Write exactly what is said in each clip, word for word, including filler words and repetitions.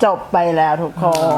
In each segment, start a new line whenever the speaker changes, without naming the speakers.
จบไปแล้วทุกคน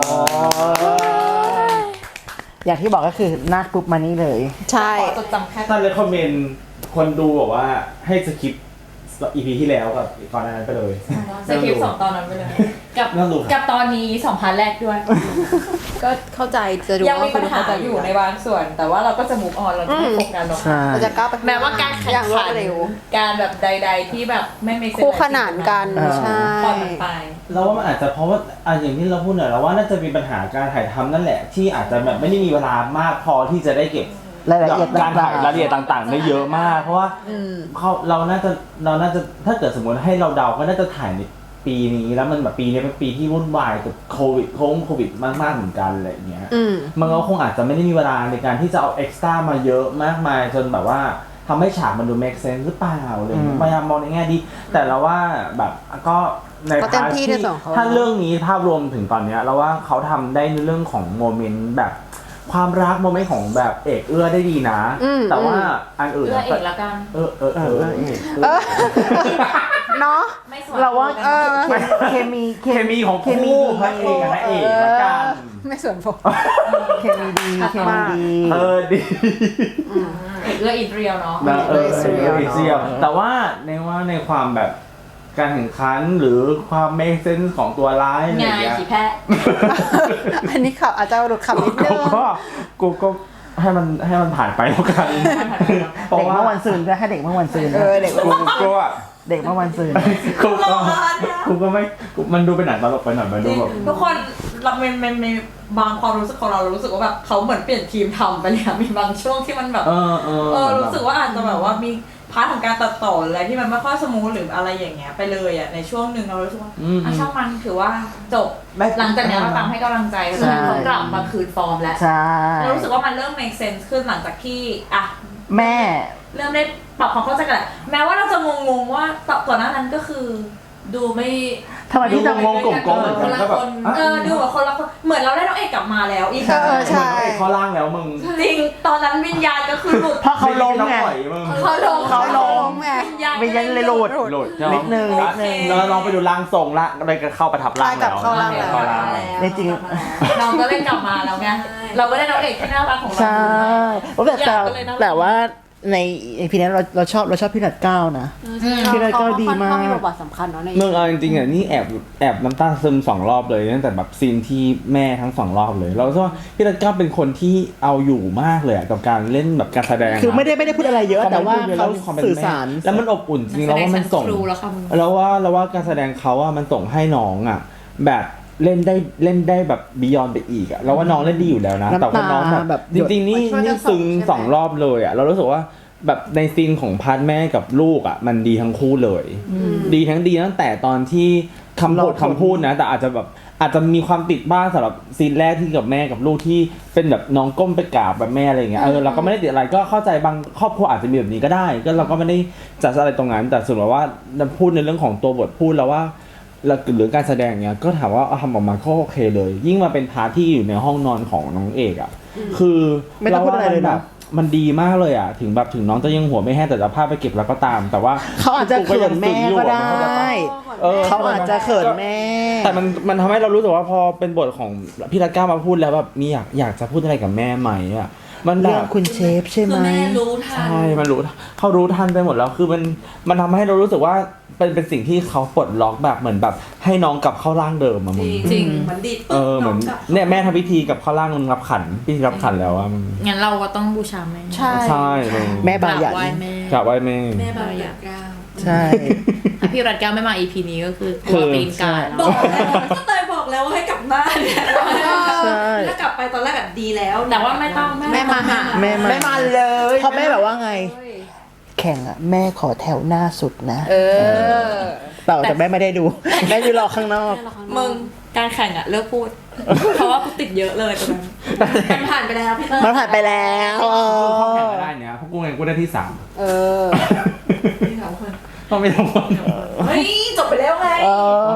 อย่างที่บอกก็คือนาดปุ๊บมานี่เลย
ใช่
จดจำแค่
ถ้าเลยคอมเมนต์คนดูบอกว่าให้สคิปอีพีที่แล้วกับก่อนหน้านั้นไปเลย
สคริปต์สองตอนนั้นไปเลยกับกับตอนนี้สองพาร์ทแรกด้วย
ก็เข้าใจจะดู
ยังมีปัญหาอยู่ในบางส่วนแต่ว่าเราก็จะมุกออนเราจะไม่โฟกัสหรอก
เราจะก้าวไป
แม้ว่าการแข่งขันการแบบใดๆที่แบบไม่ไม่
คู่ขนานกันใช่
ตอนไป
เราว่ามันอาจจะเพราะว่าอ่ะอย่างที่เราพูดเนี่ยเราว่าน่าจะมีปัญหาการถ่ายทำนั่นแหละที่อาจจะแบบไม่ได้มีเวลามากพอที่จะได้เก็บ
รายละเอียด
การถ่ายรายละเอียดต่างๆได้เยอะมากเพราะว่าเขาเราน่าจะเราน่าจะถ้าเกิดสมมติให้เราเดาก็น่าจะถ่ายในปีนี้แล้วมันแบบปีนี้เป็นปีที่วุ่นวายกับโควิดโค้งโควิดมากๆเหมือนกันอะไรอย่างเงี้ยมันก็คงอาจจะไม่ได้มีเวลาในการที่จะเอาเอ็กซ์ตร้ามาเยอะมากมายจนแบบว่าทำให้ฉากมันดู make sense หรือเปล่าอะไรอย่างเงี้ยพยายามมองในแง่ดีแต่เราว่าแบบก็ในพาร์ทที่ถ้าเรื่องนี้ภาพรวมถึงตอนเนี้ยเราว่าเขาทำได้ในเรื่องของโมเมนต์แบบความรักโมเมนต์ของแบบเอกเอื้อได้ดีนะแต่ว่าอันอื่น
เอื้อเอกละกัน
เออเออเออเอก
เนาะ
เราว่าเคมี
เคมีของเคมีพระเอกกับนางเอกละกัน
ไม่ส่วนผม
เคมีดีเคมีดี
เออดี
เอกเอื้ออินเรียลเนาะ
เออเอออินเรียลแต่ว่าในว่าในความแบบการแข่งขันหรือความเมคเซนส์ของตัวร้ายอะไรอย่างเงี้ย
ขี่แพะ
อันนี้ขับอาจจะหลุดขับนิดนึง
ก็กูก็ให้มันให้มันผ่านไปแล้วกัน
เด็กเมื่อวันซืนก็ให้เด็กเมื่อวันซืน
เออเด็ก
กูก็
เด็กเมื่อวันซืน
กูก็กูก็ไม่มันดูเป็นหนังตลกไปหน่อยมันดูแบบ
ทุกคนเราเป็นเป็นบางความรู้สึกของเราเรารู้สึกว่าแบบเขาเหมือนเปลี่ยนทีมทำไปเลยมีบางช่วงที่มันแบบ
เออเอ
อรู้สึกว่าอาจจะแบบว่ามีพาร์ทของการตัดต่ออะไรที่มันไม่ค่อยสมูทหรืออะไรอย่างเงี้ยไปเลยอ่ะในช่วงหนึ่งเรารู้สึกว่าอ่ะช่างมันถือว่าจบหลังจากนี้เราตามให้กำลังใจแล้วเขากลับมาคืนฟอร์มแล้วเรารู้สึกว่ามันเริ่ม make sense ขึ้นหลังจากที่อ่ะ
แม่
เริ่มได้ปรับความเข้าใจกันแหละแม้ว่าเราจะงงๆว่าก่อนหน้านั้นก็คือดูไม่
ทำไมพี่จะงงกลมๆเหมือนกันก็แบบ
เออดูแบบคนละคนเหมือนเราได้น้องเอกกลับมาแล้วอีก
เออใช่
ข้อล่างแล้วมึง
จริงตอนนั้นวิญญาณก็คือหลุด
เพราะเขาล้มไง
เขาล้ม
เขาล้ม
ไง
วิญญาณเลยหลุด
หลุด
นิดนึงนิดนึง
แล้วลองไปดูร่างทรงละอะไรก็เข้าประทับร่างแล้ว
เข้าร่างแล้ว
ในจริง
น้องก็เล่นกลับมาแล้วไงเราก็ได้น้องเอกที่น่ารักของเรา
ใช่แต่แต่ว่าในพีนี้เราเราชอบเราชอบพี่นัดเก้านะพี่นัดเก้าดีมาก
เขามีบทบาทสำคัญเนาะใน
เมืองเอาจริงๆอ่ะนี่แอบแอบน้ำตาซึมสองรอบเลยตั้งแต่แบบซีนที่แม่ทั้งสองรอบเลยเราคิดว่าพี่นัดเก้าเป็นคนที่เอาอยู่มากเลยกับการเล่นแบบการแสดง
คือไม่ได้ไม่ได้พูดอะไรเยอะแต่ว่าเขาสื่อสาร
แล้วมันอบอุ่นจริงแล้วว่ามันส่งแล้วว่าแล้วว่าการแสดงเขาอ่ะมันส่งให้น้องอ่ะแบบเล่นได้เล่นได้แบบบียอนไปอีกอ่ะเราว่าน้องเล่นดีอยู่แล้วนะแต่ว่าน้องแบบจริงๆนี่นี่ซึ้งสองรอบเลยอ่ะเรารู้สึกว่าแบบในซีนของพาร์ทแม่กับลูกอ่ะมันดีทั้งคู่เลยดีทั้งดีตั้งแต่ตอนที่คำพูดคำพูดนะแต่อาจจะแบบอาจจะมีความติดบ้างสำหรับซีนแรกที่กับแม่กับลูกที่เป็นแบบน้องก้มไปกราบแบบแม่อะไรอย่างเงี้ยเออเราก็ไม่ได้ติดอะไรก็เข้าใจบางครอบครัวอาจจะมีแบบนี้ก็ได้ก็เราก็ไม่ได้จัดอะไรตรงนั้นแต่ส่วนว่าพูดในเรื่องของตัวบทพูดแล้วว่าหรือการแสดงเนี้ยก็ถามว่าทำออกมาก็โอเคเลยยิ่งมาเป็นพาร์ทที่อยู่ในห้องนอนของน้องเอกอ่ะคือ
ไม่ต้องพูดอะไรเลยนะ
มันดีมากเลยอ่ะถึงแบบถึงน้องจะยังหัวไม่แห้งแต่จะพาไปเก็บแล้วก็ตามแต่ว่า
เขาอาจจะเขินแม่ก็ได้เขาอาจจะเขินแม่
แต่มันมันทำให้เรารู้สึกว่าพอเป็นบทของพี่รัตก้ามาพูดแล้วแบบมีอยากอยากจะพูดอะไรกับแม่ไหมอ่ะมันแบบ
คุณเชฟใช่ไหม
แม่รู้ทัน
ใช่มันรู้เขารู้ทันไปหมดแล้วคือมันมันทำให้เรารู้สึกว่าเป็นเป็นสิ่งที่เขาปลดล็อกแบบเหมือนแบบให้น้องกลับเข้าร่างเดิมอะมึง
จริงเหมือนดี
เออเหมือนเนี่ยแม่ทำพิธีกับเข้าร่างมึงรับขันพิธีรับขันแล้วอะมึง
งั้นเราก็ต้องบูชาแม่
ใช่ใช่
แม่บายัน
กราบไหว้แม่
แม่บายันก้า
ใช่
ถ้าพี่รัตก้าไม่มา อี พี นี้ก็คือตัวปีนกายบอกแล้วก็เตยบอกแล้วว่าให้กลับบ้านถ้ากลับไปตอนแรกแบบดีแล้วแต่ว่าไม่ต้อง
แม่มาหา
แม่
ไม่มาเลย
เพราะแม่แบบว่าไงแข่งอะแม่ขอแถวหน้าสุดนะ
เออ
เปล่าแต่แม่ไม่ได้ดูแม่ดูรอข้างนอก
มึงการแข่งอะเลิกพูดเพราะว่ากูติดเยอะเลยตอนนั้นมันผ่านไปแล้วพี่เตย
มันผ่านไปแล้ว
เออเขาแข่งได้เนี่ยพวกกูไงกูได้ที่สาม
เออ
ที่สามคน
ต้องไม่ต้องคน
เฮ้ยจบไปแล้วไง
เออ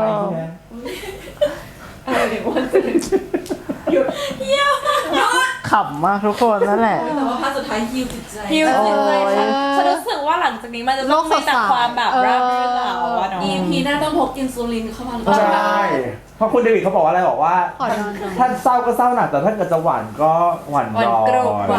อะไรเดี๋ยววันตื่นหยุดเหี้ย
ขำมากทุกคนนั่นแหละ
แต่ว่าภาคสุดท้ายฮิวจิตใจฮิวจิตใจฉันรู้สึกว่าหลังจากนี้มันจะต้องมีแต่ความแบบราบรื่นแล้วอ่ะเนาะ อี พี หน้าต้องพกอินซูลินเข้ามาหรือเปล่า
ใช่เพราะคุณเดวิดเขาบอกว่าอะไรบอกว่า
ขอนอนก่อน
ถ้าเศร้าก็เศร้าหนักแต่ถ้าเกิดจะหวานก็หวานย้อน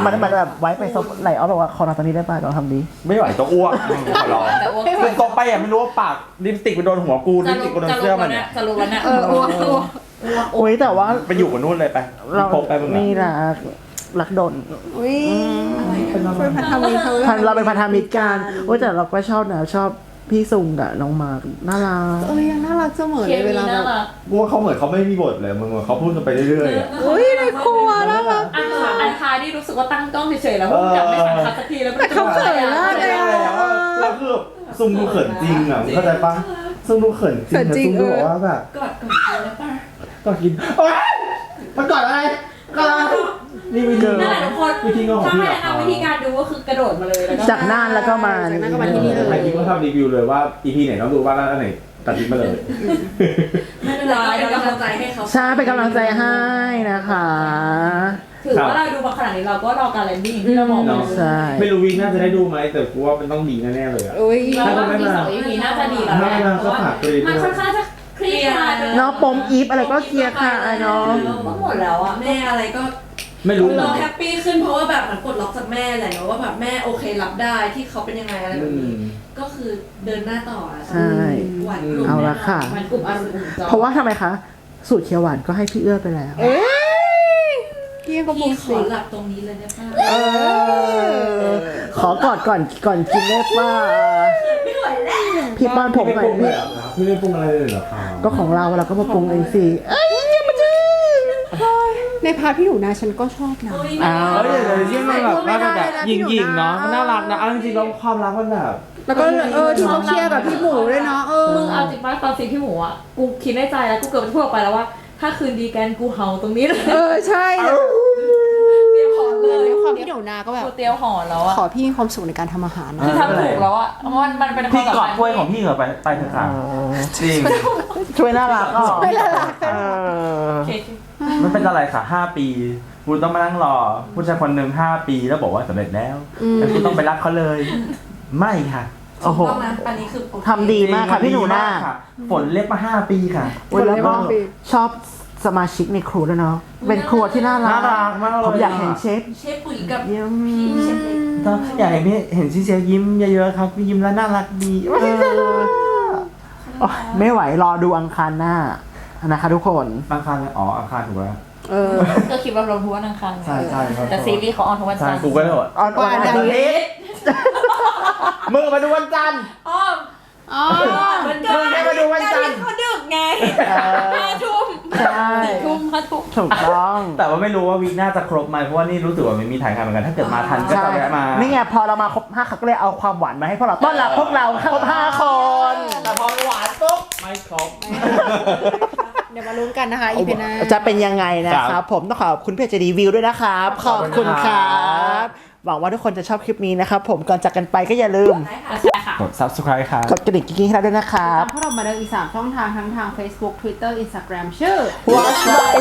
มันมันแบบไว้ไปซบไหลอ้อบอกว่าขอนอนตอนนี้ได้ป่ะลองทำดี
ไม่ไหวจะอ้วกขอร้อง
แต่อ้วก
คือตกไปอ่ะไม่รู้ว่าปากลิปสติกไปโดนหัวกูลิ
จะ
ปสติ
รู้
กไปโดน
จะ
เสื้
รู้
อมั
แล้ว
น
เนี่ยจะรู้แล้วเนี่ย
เอออ้วกอ้วก
โอ้ยแต่ว่า
ไปอยู่กับนู่นเลยไป
เรา
พกไปมึง
นี่
อะ
นะรักดน
อุ้ยช่วยพันธมิตรเขา
พันเราเป็นพันธมิตรกันโอ้ยแต่เราก็ชอบนะชอบพี่ซุงกับน้องมาร์กน่ารัก
เออยังน่ารักเสมอ
เค
เลยเว
มี
ลาแบ
น่า
บ
รัก
กูว่าเขาเหมือนเขาไม่มีบทเลยมึงเขาพูดกันไปเรื่อยๆอะ
อุ้ยในครัวน่ารัก
อันคาอันคาที่รู้สึกว่าตั้งกล้องเฉยๆแล้วพุ่งกลับไม่สังคับสักทีแล้วมัน
แต่เขาเขินมากเลยอะ
แล้วคือซุงดูเขินจริงอ่ะมึงเข้าใจปะซุงดูเขินจริง
เขินจริง
ซุงดูบอกว่าแบบ
กอดกอดแล้วป่ะ
ก็กินโอ๊ยมันก่อนอะไรก่อนนี่วิธี
นั่นแหละทุกคน
วิธีงอของ
ถ้า
พี่
ให้
เหรอ
แนะนำวิธีการดูก็คือกระโดดมาเลยแล้วก็
จากน่านแล้วก็มา
จากน่านก็มาที่นี่เลย
ใครคิดว่าทำรีวิวเลยว่า อี พี ไหนต้องดูบ้างแล้วอันไหนตัดทิ้งมาเลย
ไม่เป็นไรเราเป็นกำลังใจให้เขา
ใช่เป็นกำลังใจให้นะคะ
ถือว่าเราดูมาขนาดนี้เราก็รอการแลนดิ้งที่เราบอก
เนาะ
ใช่
ไม่รู้วีน่าจะได้ดูไหมแต่กูว่ามันต้องดีแน่ๆเลยอ่ะ
อุ้ย
เราว่ามีสอง อี พีน่าจะดีแล้วแหละ
ไม่มา
เพราะว่า
ก็ฝากเลย
มันค่อนข้างจะเคลียร์
เนาะปมอีฟอะไรก็เคลียร์ค่ะเนาะ
ก็หมดแล้วอ่ะ
แม่อะไรก็
ไม่รู้
เราแฮปปี้ขึ้นเพราะว่าแบบมันปลดล็อกจากแม่แหละเนาะว่าแบบแม่โอเครับได้ที่เขาเป็นยังไงอะไร
อื
แบบนี้
ม
ก็คือเดินหน้าต่ออะ
ใช่
หวานกลุ่ม
เอาละค่ะ
มันกลุ่มอารมณ์อุ่นจอ
เพราะว่าทำไมคะ สูตรเขียวหวานก็ให้พี่เอื้อไปแล้ว
เอ้ยพี่ก็บุ
พี่
ก
ข
สิ
อหลับตรงนี้เลยได้ป่ะ
เออ ขอกอดก่อนก่อนกินได้ป่ะ
ไม่ไหวแล้ว
พี่ป้อนผมหน่อย
พี่
พี่
พี่ไม่ปรุงอะไรเลยเหรอครับ
ก็ของเราเราก็มาปรุงเองสิเอ้ยอย่ามาดื้อ
ในพาร์ทพี่หนูนาฉันก็ชอบนะ
โอ้ย
อ้าว
เฮ้ยเดี๋ยวเดี๋ยวมันแบบว่ามันแบบหยิงๆเนาะมันน่ารักนะเอาจริงๆแล้วความรักมันแบบ
แล้วก็เออที่เขาเคลียร์กับพี่หมูด้วยเนาะเออ
มึงเอาจริงป่ะตอนซีพี่หมูอ่ะกูคิดในใจแล้วกูเกือบจะพูดออกไปแล้วว่า ถ้าคืนดีกันกูเห่าตรงนี้เลย
เออใช่
เตรียมหอนเลย
ด้วยความพี่หนูนาก็แบบ
กูเตรียมหอนแล้วอ่ะ
ขอพี่มีความสุขในการทำอาหารนะ
คือทำถูกแล้วอ่ะเพราะมันมันเป็น
พี่กอด
ความสัมพันธ์
ถ้วยของพี่เหรอไปไปเถอะค่ะจริง
ช่วยน่ารักอ่ะ
ช่วยน่ารัก
เออ
โอเค
มันเป็นอะไรค่ะห้าปีคุณต้องมานั่งรอผู้ชายคนหนึ่งห้าปีแล้วบอกว่าสำเร็จแล้วแล้วคุณต้องไปรักเขาเลย ไม่ค่ะ
โอ้โห
ต้องนะอันนี้คือโอเค
ทำดีมากค่ะพี่หนูนา
ค่ะฝนเล็บมาห้าปีค่ะ
โอ้ยแล้วก็ชอบสมาชิกในครัวด้วยเนาะ เป็นครัวที่น่ารั
น่ารักมากเลย
ผมอยากเห็นเชฟ
เชฟปุ๋ยกับ
เยี่ยม
พี่เชฟเล็ก
ก็อยากเห็นพี่เห็นชิเชยิ้มเยอะๆครับยิ้มแล้วน่ารักดี
เออโอ๊ยไม่ไหวรอดูอังคารหน้านะคะทุกคน
อังคารเลยอ๋ออังคารถูกแล้ว
เออ
ก็คิดว่าเราทุกวันอังคาร
ใช่ใช่ครับ
แต่ซีรีส์เขาออนทุกวัน
ใช่
จันทร์
กูก็เลยบอก
ออนวันอาทิตย์
มึงมาดูวันจันทร์
อ๋อ
อ๋อ
เหมือนกัน
มึงแค่มาดูวันจันทร์
เขาดึกไง
เออ
ห้าทุ่ม
ใช่
ทุ่มห้าทุ่ม
ถูกต้อง
แต่ว่าไม่รู้ว่าวีคหน้าจะครบไหมเพราะว่านี่รู้สึกว่ามันมีถ่ายทำเหมือนกันถ้าเกิดมาทันก็
ใช่
จะแวะมา
นี่ไงพอเรามาครบห้าเขาก็เลยเอาความหวานมาให้พวกเราต้อนรับพวกเราครบห้าคน
แต่พอหวานปุ๊บไม่ครบ
เดี๋ยวมาลุ้นกันนะคะ อีพีหน้า
จะเป็นยังไงนะค
ครั
รับ
บ
ผมต้องขอบคุณเพจรีวิวด้วยนะครับ ขอบคุณครับหวังว่าทุกคนจะชอบคลิปนี้นะครับผมก่อนจากกันไปก็อย่าลืม
ได้ค่ะ
ใช่ค่ะ
กด ซับสไครบ์ ครับ
กดกระดิ่งกิ๊งๆให้เราด้วยนะครับ
ตามพวกเรามาเดินอีกสามช่องทางทั้งทาง Facebook Twitter Instagram ชื่อ
Watch My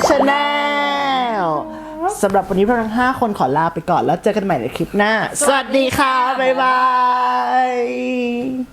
Channel สำหรับวันนี้พวกเราทั้งห้าคนขอลาไปก่อนแล้วเจอกันใหม่ในคลิปหน้า สวัสดีค่ะ บ๊ายบาย